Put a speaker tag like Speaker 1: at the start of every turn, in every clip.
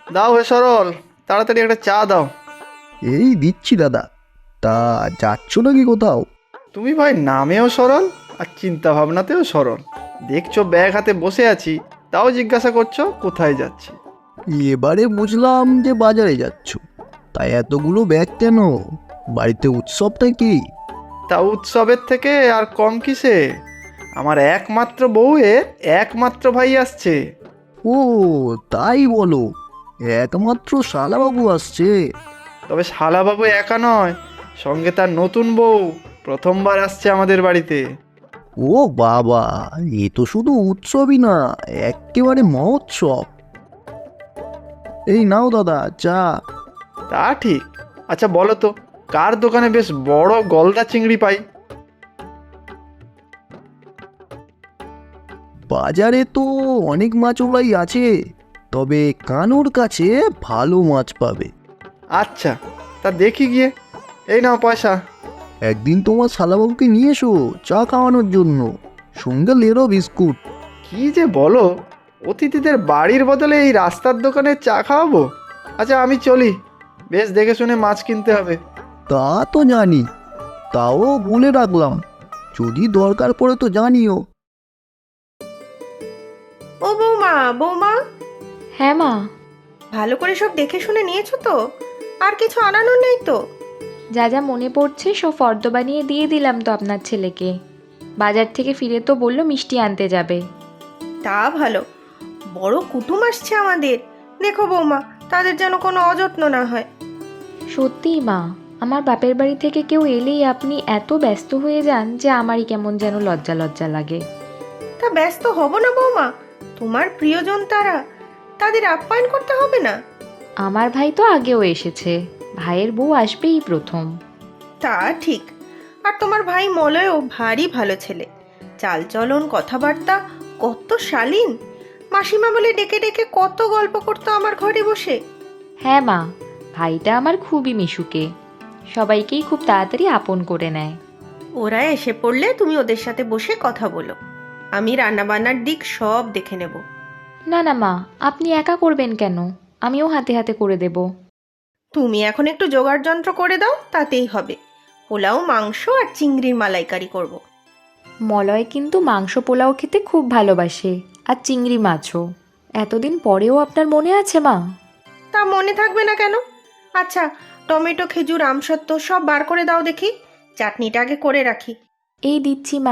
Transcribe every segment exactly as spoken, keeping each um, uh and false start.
Speaker 1: দাও হে সরল, তাড়াতাড়ি একটা চা দাও।
Speaker 2: এই দিচ্ছি দাদা। তা যাচ্ছ নাকি কোথাও?
Speaker 1: তুমি ভাই নামেও সরল আর চিন্তা ভাবনাতেও সরল। দেখছো ব্যাগ হাতে বসে আছি, তাও জিজ্ঞাসা করছো কোথায় যাচ্ছি।
Speaker 2: এবারে বুঝলাম যে বাজারে যাচ্ছ। তাই এতগুলো ব্যাগ কেন? বাড়িতে উৎসব নাকি?
Speaker 1: তা উৎসবের থেকে আর কম কিসে? আমার একমাত্র বউয়ের একমাত্র ভাই আসছে।
Speaker 2: ও, তাই বলো? একমাত্র শালাবাবু আসছে?
Speaker 1: তবে শালাবাবু একা নয়, সঙ্গে তার নতুন বউ প্রথমবার আসছে আমাদের বাড়িতে।
Speaker 2: ও বাবা, এ তো শুধু উৎসবই না, একেবারে মহোৎসব। এই নাও দাদা চা।
Speaker 1: তা ঠিক। আচ্ছা বলো তো, কার দোকানে বেশ বড় গলদা চিংড়ি পাই?
Speaker 2: বাজারে তো অনেক মাছওয়ালাই আছে, তবে কানুর কাছে ভালো মাছ পাবে।
Speaker 1: আচ্ছা, তা দেখি গিয়ে। এই নাও পয়সা।
Speaker 2: একদিন তোমার শালাবাবুকে নিয়ে এসো চা খাওয়ানোর জন্য, সঙ্গে লেরো বিস্কুট।
Speaker 1: কি যে বলো, অতিথিদের বাড়ির বদলে এই রাস্তার দোকানে চা খাওয়াবো? আচ্ছা আমি চলি, বেশ দেখে শুনে মাছ কিনতে হবে।
Speaker 2: তা তো জানি, তাও বলে রাখলাম, যদি দরকার পড়ে তো জানিও।
Speaker 3: ও বৌমা, বৌমা,
Speaker 4: হ্যাঁ মা।
Speaker 3: ভালো করে সব দেখে শুনে নিয়েছো তো? আর কিছু আনানোর নেই তো?
Speaker 4: যা যা মনে পড়ছে সব ফর্দ বানিয়ে দিয়ে দিলাম তো আপনার ছেলেকে। বাজার থেকে ফিরে তো বললো মিষ্টি আনতে যাবে।
Speaker 3: তা ভালো, বড় কুটুম আসছে আমাদের। দেখো বৌমা, তাদের যেন কোনো অযত্ন না হয়।
Speaker 4: সত্যিই মা, আমার বাপের বাড়ি থেকে কেউ এলেই আপনি এত ব্যস্ত হয়ে যান যে আমারই কেমন যেন লজ্জা লজ্জা লাগে।
Speaker 3: তা ব্যস্ত হব না বৌমা? তোমার প্রিয়জন তারা, তাদের আপ্যায়ন করতে হবে না?
Speaker 4: আমার ভাই তো আগেও এসেছে, ভাইয়ের বউ আসবেই প্রথম।
Speaker 3: তা ঠিক। আর তোমার ভাই মলয়ও ভারী ভালো ছেলে, চালচলন কথাবার্তা কত শালীন। মাসিমা বলে ডেকে ডেকে কত গল্প করতো আমার ঘরে বসে।
Speaker 4: হ্যাঁ মা, ভাইটা আমার খুবই মিশুকে, সবাইকেই খুব তাড়াতাড়ি আপন করে নেয়।
Speaker 3: ওরা এসে পড়লে তুমি ওদের সাথে বসে কথা বলো, আমি রান্নাবান্নার দিক সব দেখে নেব।
Speaker 4: না না মা, আপনি একা করবেন কেন? আমিও হাতে হাতে করে দেব।
Speaker 3: তুমি এখন একটু জোগাড় যন্ত্র করে দাও, তাতেই হবে। পোলাও, মাংস আর চিংড়ির মালাইকারি করব।
Speaker 4: মলয় কিন্তু মাংস পোলাও খেতে খুব ভালোবাসে, আর চিংড়ি মাছও। এতদিন পরেও আপনার মনে আছে মা?
Speaker 3: তা মনে থাকবে না কেন? আচ্ছা, টমেটো, খেজুর, আমসত্ত্ব সব বার করে দাও দেখি, চাটনিটা আগে করে রাখি।
Speaker 4: এই দিচ্ছি মা।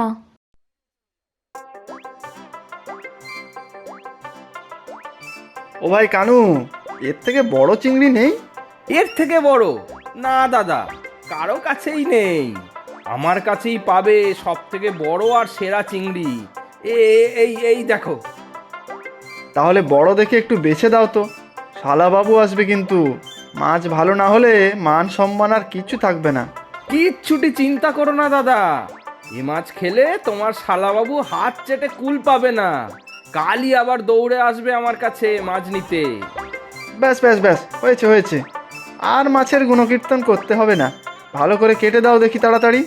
Speaker 1: ও ভাই কানু, এর থেকে বড় চিংড়ি নেই?
Speaker 5: এর থেকে বড়? না দাদা, কারো কাছেই নেই। আমার কাছেই পাবে সব থেকে বড় আর সেরা চিংড়ি। এ এই এই দেখো।
Speaker 1: তাহলে বড় দেখে একটু বেছে দাও তো, শালাবাবু আসবে কিন্তু। মাছ ভালো না হলে মান সম্মান আর কিছু থাকবে না।
Speaker 5: কিচ্ছুটি চিন্তা করো না দাদা, এ মাছ খেলে তোমার শালাবাবু হাত চেটে কুল পাবে না। কালই আবার দৌড়ে আসবে আমার কাছে মাছ নিতে।
Speaker 1: ব্যাস ব্যাস ব্যাস, হয়েছে হয়েছে। আর মাছের গুণকীর্তন করতে হবে না, ভালো করে কেটে দাও দেখি তাড়াতাড়ি।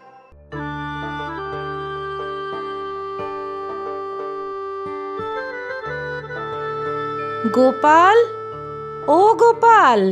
Speaker 6: গোপাল, ও গোপাল।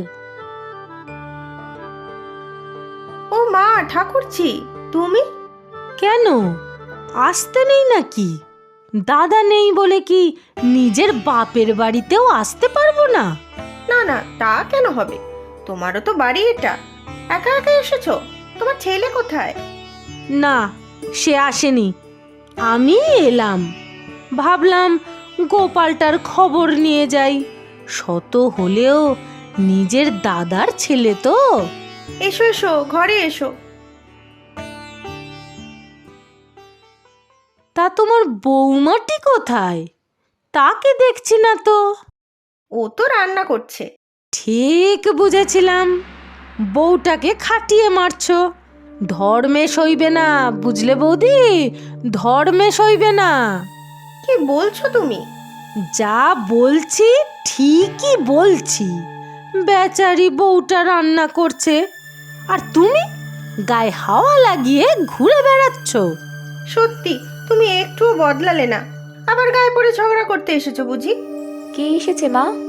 Speaker 3: ও মা, ঠাকুরছি, তুমি?
Speaker 6: কেন, আসতে নেই নাকি? দাদা নেই বলে কি নিজের বাপের বাড়িতেও আসতে পারবো না?
Speaker 3: না না, তা কেন হবে? তোমারও তো বাড়ি এটা, একা একা এসেছো? তোমার ছেলে কোথায়?
Speaker 6: না, সে আসেনি, আমি এলাম। ভাবলাম গোপালটার খবর নিয়ে যাই, শত হলেও নিজের দাদার ছেলে তো।
Speaker 3: এসো এসো, ঘরে এসো।
Speaker 6: তা তোমার বৌমাটি কোথায়? তাকে দেখছি না তো।
Speaker 3: ও তো রান্না করছে।
Speaker 6: ঠিক বুঝেছিলাম, বউটাকে খাটিয়ে মারছো। ধর্মে সইবে না, বুঝলে বৌদি, ধর্মে সইবে না।
Speaker 3: কি বলছো তুমি?
Speaker 6: যা বলছি ঠিকই বলছি। বেচারি বউটা রান্না করছে, আর তুমি গায়ে হাওয়া লাগিয়ে ঘুরে বেড়াচ্ছ।
Speaker 3: সত্যি, তুমি একটুও বদলালে না। আবার গায়ে পড়ে ঝগড়া করতে এসেছো বুঝি?
Speaker 4: কে এসেছে মা?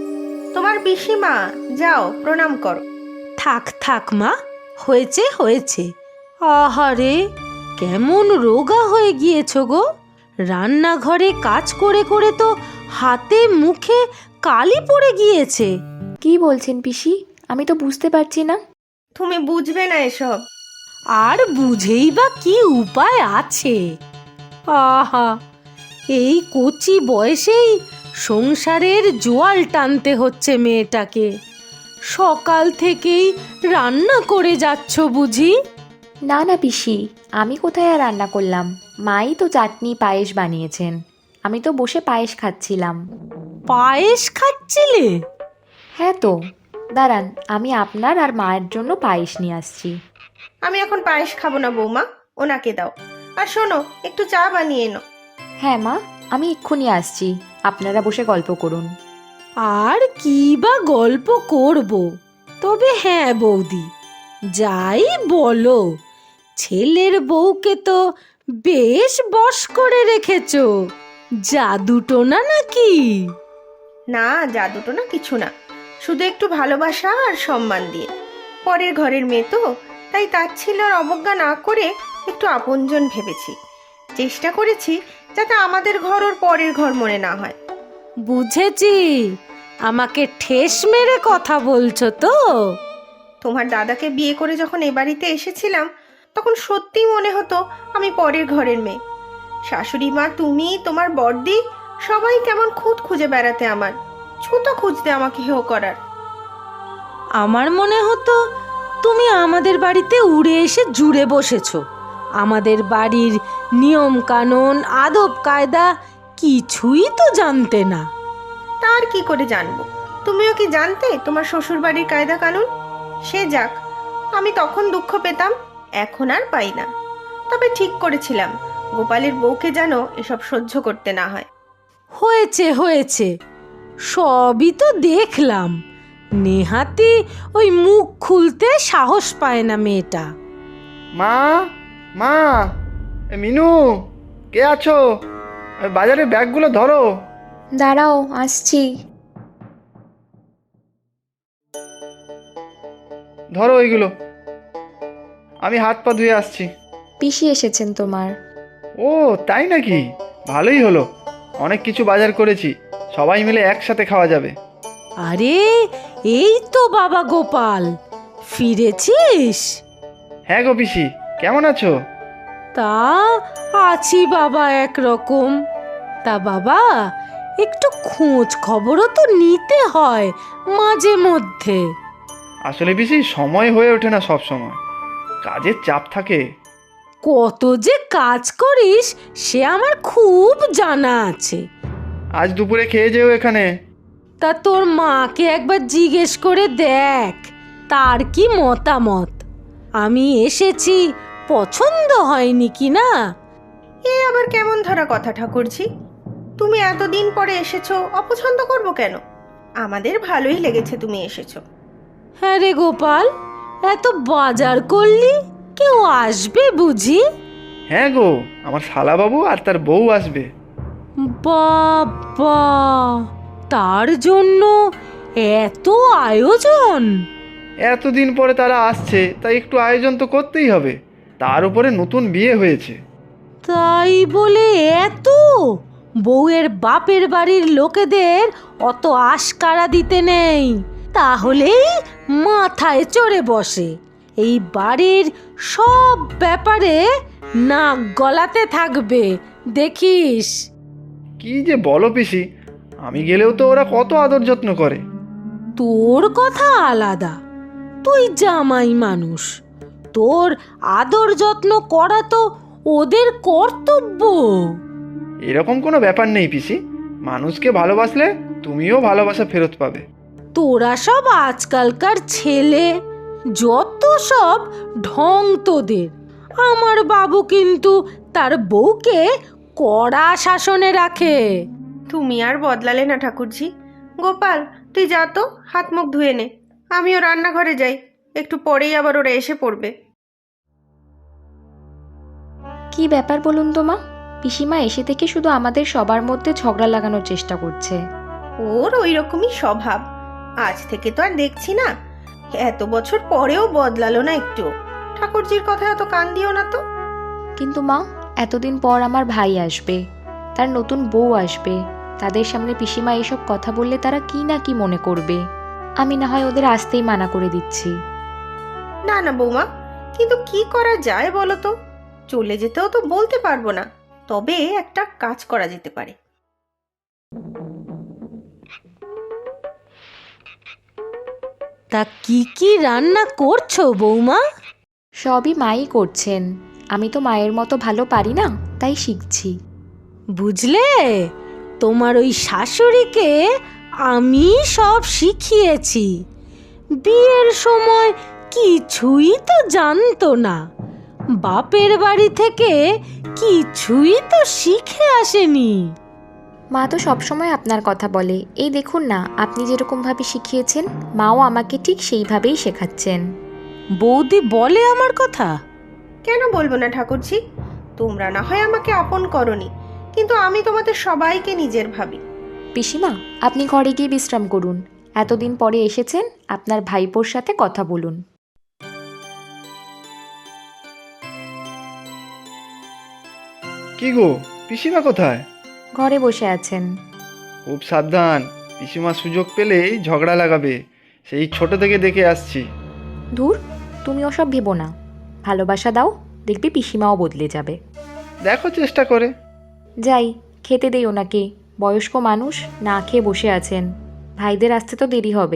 Speaker 3: তোমার পিসিমা, যাও প্রণাম করো।
Speaker 6: থাক থাক মা, হয়েছে হয়েছে। আহারে, কেমন রোগা হয়ে গিয়েছ গো। রান্নাঘরে কাজ করে করে তো হাতে মুখে কালি পড়ে গিয়েছে।
Speaker 4: কি বলছেন পিসি? আমি তো বুঝতে পারছি না।
Speaker 3: তুমি বুঝবে না এসব।
Speaker 6: আর বুঝেই বা কি উপায় আছে? আহা, এই কচি বয়সেই সংসারের জোয়াল টানতে হচ্ছে মেয়েটাকে। সকাল থেকেই রান্না করে যাচ্ছ বুঝি?
Speaker 4: না না পিসি, আমি কোথায় আর রান্না করলাম? মাই তো চাটনি পায়েস বানিয়েছেন। আমি তো বসে পায়েস খাচ্ছিলাম।
Speaker 6: পায়েস খাচ্ছিলে?
Speaker 4: হ্যাঁ তো, দাঁড়ান, আমি আপনার আর মায়ের জন্য পায়েস নিয়ে আসছি।
Speaker 3: আমি এখন পায়েস খাবো না বৌমা, ওনাকে দাও। আর শোনো, একটু চা বানিয়ে এনো।
Speaker 4: হ্যাঁ মা, আমি এক্ষুনি আসছি, আপনারা বসে গল্প করুন।
Speaker 6: আর কি বা গল্প করব? তবে হ্যাঁ বৌদি, যাই বলো, ছেলের বউকে তো বেশ বশ করে রেখেছ। জাদুটো না নাকি?
Speaker 3: না, জাদুটো না কিছু না, শুধু একটু ভালোবাসা আর সম্মান দিয়ে। পরের ঘরের মেয়ে তো, তাই তাচ্ছিল্য আর অবজ্ঞা না করে একটু আপনজন ভেবেছি। চেষ্টা করেছি যাতে আমাদের ঘর ওর পরের ঘর মনে না হয়।
Speaker 6: বুঝেছি, আমাকে ঠেস মেরে কথা বলছো তো?
Speaker 3: তোমার দাদাকে বিয়ে করে যখন এ বাড়িতে এসেছিলাম, তখন সত্যি মনে হতো আমি পরের ঘরের মেয়ে। শাশুড়ি মা, তুমি, তোমার বড়দি, সবাই কেমন খুঁত খুঁজে বেড়াতে, আমার ছুতো খুঁজতে আমাকে হেও করার।
Speaker 6: আমার মনে হতো তুমি আমাদের বাড়িতে উড়ে এসে জুড়ে বসেছো। আমাদের বাড়ির নিয়ম কানুন আদব কায়দা কিছুই তো জানতে না।
Speaker 3: তার কি করে জানবো? তুমিও কি জানতে তোমার শ্বশুর বাড়ির কায়দা কানুন? সে যাক, আমি তখন দুঃখ পেতাম, এখন আর পাই না। তবে ঠিক করেছিলাম গোপালের বউকে যেন এসব সহ্য করতে না হয়।
Speaker 6: হয়েছে হয়েছে, সবই তো দেখলাম। নেহাতি ওই মুখ খুলতে সাহস পায় না মেয়েটা।
Speaker 1: মা, মা, এ মিনু, কে আছো? এ বাজারে ব্যাগগুলো ধরো।
Speaker 4: দাঁড়াও, আসছি।
Speaker 1: ধরো ওইগুলো, আমি হাত পা ধুয়ে আসছি।
Speaker 4: পিসি এসেছেন তোমার।
Speaker 1: ও তাই নাকি? ভালোই হলো, অনেক কিছু বাজার করেছি, সবাই মিলে একসাথে খাওয়া যাবে।
Speaker 6: আরে, এই তো বাবা গোপাল, ফিরেছিস?
Speaker 1: হ্যাঁ গো পিসি, কেমন আছো?
Speaker 6: তা আছি বাবা একরকম। তা বাবা, একটু খোঁজ খবরও তো নিতে হয় মাঝে মধ্যে।
Speaker 1: আসলে পিসি সময় হয়ে ওঠে না, সব সময় কাজের চাপ থাকে।
Speaker 6: কত যে কাজ করিস সে আমার খুব জানা আছে।
Speaker 1: আজ দুপুরে খেয়ে যেও এখানে।
Speaker 6: তা তোর মাকে একবার জিজ্ঞেস করে দেখ তার কি মতামত। আমি এসেছি, পছন্দ হয়নি কি না?
Speaker 3: এ আবার কেমন ধরা কথা ঠাকুরজি? তুমি এতদিন পরে এসেছো, অপছন্দ করব কেন? আমাদের ভালোই লেগেছে তুমি এসেছো।
Speaker 6: হ্যাঁ রে গোপাল, এত বাজার করলি, কেউ আসবে বুঝি?
Speaker 1: হ্যাঁ গো, আমার শালাবাবু আর তার বউ আসবে।
Speaker 6: বাবা, তার জন্য এত আয়োজন?
Speaker 1: এতদিন পরে তারা আসছে, তাই একটু আয়োজন তো করতেই হবে। তার উপরে নতুন বিয়ে হয়েছে।
Speaker 6: তাই বলে এত? বউয়ের বাপের বাড়ির লোকেদের অত আশকারা দিতে নেই, তাহলেই মাথায় চড়ে বসে। এই বাড়ির সব ব্যাপারে নাক গলাতে থাকবে, দেখিস।
Speaker 1: কি যে বলো পিসি, আমি গেলেও তো ওরা কত আদর যত্ন করে।
Speaker 6: তোর কথা আলাদা, তুই জামাই মানুষ, তোর আদর যত্ন করা তো ওদের কর্তব্য।
Speaker 1: এরকম কোনো ব্যাপার নেই পিসি, মানুষকে ভালোবাসলে তুমিও ভালোবাসা ফেরত পাবে।
Speaker 6: তোরা সব আজকালকার ছেলে, যত সব ঢং তোদের। আমার বাবু কিন্তু তার বউকে কড়া শাসনে রাখে।
Speaker 3: তুমি আর বদলালে না ঠাকুরজি। গোপাল, তুই যা তো, হাত মুখ ধুয়ে নে। আমিও রান্নাঘরে যাই, একটু পরেই আবার ওরা এসে পড়বে।
Speaker 4: কি ব্যাপার বলুন তো মা? পিসিমা এসে থেকে শুধু আমাদের সবার মধ্যে ঝগড়া লাগানোর চেষ্টা করছে।
Speaker 3: ওর ওই রকমই স্বভাব, আজ থেকে তো আর দেখছি না, এত বছর পরেও বদলালো না একটু। ঠাকুরজির কথায় অত কান দিও না তো।
Speaker 4: কিন্তু মা, এতদিন পর আমার ভাই আসবে, তার নতুন বউ আসবে, তাদের সামনে পিসিমা এসব কথা বললে তারা কি না কি মনে করবে। আমি না হয় ওদের আসতেই মানা করে দিচ্ছি।
Speaker 3: না না বৌমা, কিন্তু কি করা যায় বলো তো? চলে যেতেও তো বলতে পারবো না, তবে একটা কাজ করা যেতে পারে।
Speaker 6: তা কি কি রান্না করছো বৌমা?
Speaker 4: সবই মাই করছেন, আমি তো মায়ের মতো ভালো পারি না, তাই শিখছি।
Speaker 6: বুঝলে, তোমার ওই শাশুড়িকে আমি সব শিখিয়েছি। বিয়ের সময় কিছুই তো জানতো না, বাপের বাড়ি থেকে কিছুই তো শিখে আসেনি।
Speaker 4: মা তো সবসময় আপনার কথা বলে, এই দেখুন না, আপনি যেরকমভাবে শিখিয়েছেন মাও আমাকে ঠিক সেইভাবেই শেখাচ্ছেন।
Speaker 6: বৌদি বলে আমার কথা?
Speaker 3: কেন বলবো না ঠাকুরজি, তোমরা না হয় আমাকে আপন করনি, কিন্তু আমি তোমাদের সবাইকে নিজের ভাবি।
Speaker 4: পিসিমা, আপনি ঘরে গিয়ে বিশ্রাম করুন, এতদিন পরে এসেছেন, আপনার ভাইপোর সাথে কথা বলুন।
Speaker 1: কি গো, পিসিমা কোথায়?
Speaker 4: ঘরে বসে আছেন।
Speaker 1: খুব সাবধান, পিসিমা সুযোগ পেলেই ঝগড়া লাগাবে, সেই ছোট থেকে দেখে আসছি।
Speaker 4: ধুর, তুমি ওসব ভেবো না, ভালোবাসা দাও, দেখবি পিসিমাও বদলে যাবে।
Speaker 1: দেখো চেষ্টা করে।
Speaker 4: যাই, খেতে দেই ওনাকে, বয়স্ক মানুষ, না খেয়ে বসে আছেন, ভাইদের আসতে তো দেরি হবে।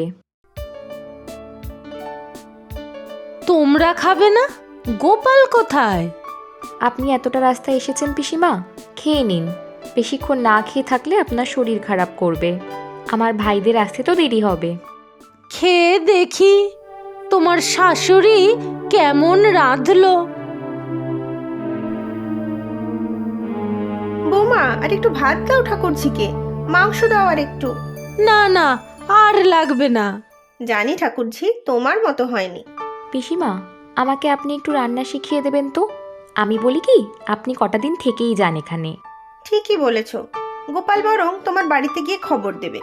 Speaker 6: তোমরা খাবে না? গোপাল কোথায়?
Speaker 4: আপনি এতটা রাস্তা এসেছেন পিসিমা, খেয়ে নিন, বেশিক্ষণ না খেয়ে থাকলে আপনার শরীর খারাপ করবে, আমার ভাইদের আসতে তো দেরি হবে।
Speaker 6: খেয়ে দেখি তোমার শাশুড়ি কেমন রাঁধলো।
Speaker 3: বৌমা, আর একটু ভাত দাও ঠাকুরজিকে, মাংস দাও আর একটু।
Speaker 6: না না, আর লাগবে না।
Speaker 3: জানি ঠাকুরজি, তোমার মতো হয়নি।
Speaker 4: পিসিমা, আমাকে আপনি একটু রান্না শিখিয়ে দেবেন তো? আমি বলি কি, আপনি কটা দিন থেকেই যান এখানে।
Speaker 3: ঠিকই বলেছ, গোপাল বরং তোমার বাড়িতে গিয়ে খবর দেবে।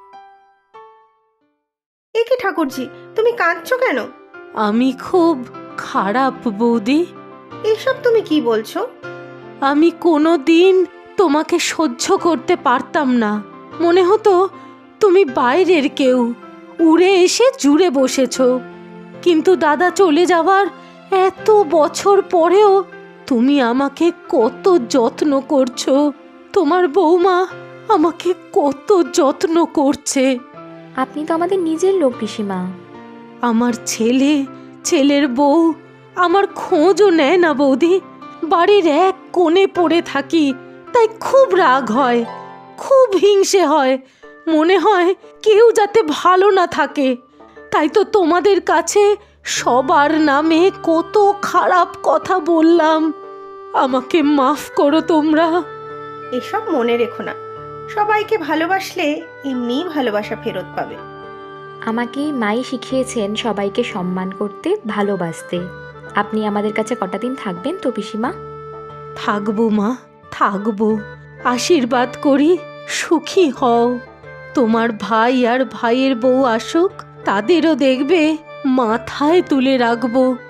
Speaker 3: এ কি ঠাকুরজি, তুমি কাঁদছো কেন?
Speaker 6: আমি খুব খারাপ বৌদি।
Speaker 3: এসব তুমি কি বলছো?
Speaker 6: আমি কোনো দিন তোমাকে সহ্য করতে পারতাম না, মনে হতো তুমি বাইরের কেউ, উড়ে এসে জুড়ে বসেছ। কিন্তু দাদা চলে যাওয়ার এত বছর পরেও তুমি আমাকে কত যত্ন করছো, তোমার বৌমা আমাকে কত যত্ন করছে।
Speaker 4: আপনি তো আমাদের নিজের লোক পিসিমা।
Speaker 6: আমার ছেলে, ছেলের বউ আমার খোঁজও নেয় না বৌদি। বাড়ির এক কোণে পড়ে থাকি, তাই খুব রাগ হয়, খুব হিংসে হয়, মনে হয় কেউ যাতে ভালো না থাকে। তাই তো তোমাদের কাছে সবার নামে কত খারাপ কথা বললাম, আমাকে মাফ করো তোমরা।
Speaker 3: এসব মনে রেখো না, সবাইকে ভালোবাসলে এমনিই ভালোবাসা ফেরত পাবে।
Speaker 4: আমাকে মাই শিখিয়েছেন সবাইকে সম্মান করতে, ভালোবাসতে। আপনি আমাদের কাছে কটা দিন থাকবেন তো পিসিমা?
Speaker 6: থাকবো মা, থাকবো। আশীর্বাদ করি সুখী হও। তোমার ভাই আর ভাইয়ের বউ আসুক, তাদেরও দেখবে মাথায় তুলে রাখবো।